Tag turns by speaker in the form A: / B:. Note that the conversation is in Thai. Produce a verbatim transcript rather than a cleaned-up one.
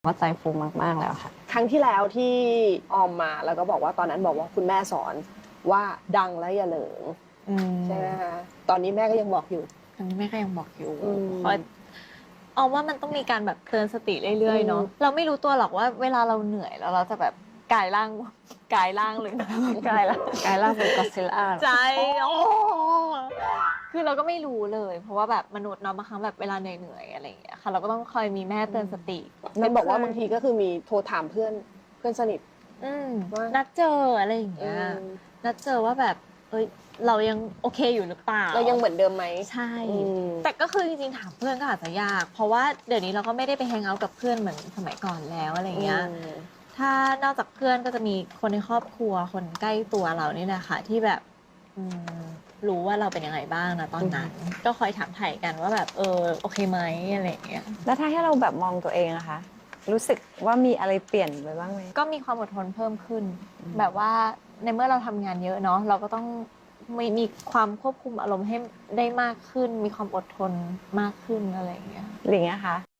A: ว่าใจฟูมากๆแล้วค่ะ
B: ครั้งที่แล้วที่ออมมาแล้วก็บอกว่าตอนนั้นบอกว่าคุณแม่สอนว่าดังแล้วอย่าเหลิงใช่ไหมคะตอนนี้แม่ก็ยังบอกอยู่
A: ตอนนี้แม่ก็ยังบอกอยู่เพ
B: ราะ
A: เอาว่ามันต้องมีการแบบเตือนสติเรื่อยๆเนาะเราไม่รู้ตัวหรอกว่าเวลาเราเหนื่อยแล้วเราจะแบบกายร่างกายร่างเลย
B: กายละ
A: กาย
B: ร่างเป็นก็อดซิลล่า
A: ใจโอ้คือเราก็ไม่รู้เลยเพราะว่าแบบมนุษย์เนาะบางครั้งแบบเวลาเหนื่อยๆอะไรอย่างเงี้ยค่ะเราก็ต้องคอยมีแม่เตือนสติ
B: นั่นบอกว่าบางทีก็คือมีโทรถามเพื่อนเพื่อนสนิท
A: นัดเจออะไรอย่างเงี้ยนัดเจอว่าแบบเอ้ยเรายังโอเคอยู่หรือเปล่า
B: เรายังเหมือนเดิมไหม
A: ใช่แต่ก็คือจริงๆถามเพื่อนก็อาจจะยากเพราะว่าเดี๋ยวนี้เราก็ไม่ได้ไปแฮงเอาท์กับเพื่อนเหมือนสมัยก่อนแล้วอะไรเงี้ยถ้านอกจากเพื่อนก็จะมีคนในครอบครัวคนใกล้ตัวเรานี่แหละค่ะที่แบบรู้ว่าเราเป็นยังไงบ้างนะตอนนั้นก็คอยถามไถ่กันว่าแบบเออโอเคไหมอะไรเงี้ย
C: แล้วถ้าให้เราแบบมองตัวเองนะคะรู้สึกว่ามีอะไรเปลี่ยนไปบ้างไหม
A: ก็มีความอดทนเพิ่มขึ้นแบบว่าในเมื่อเราทำงานเยอะเนาะเราก็ต้องมีมีความควบคุมอารมณ์ให้ได้มากขึ้นมีความอดทนมากขึ้นอะไรอย่างเงี้ย
C: หรือไงคะ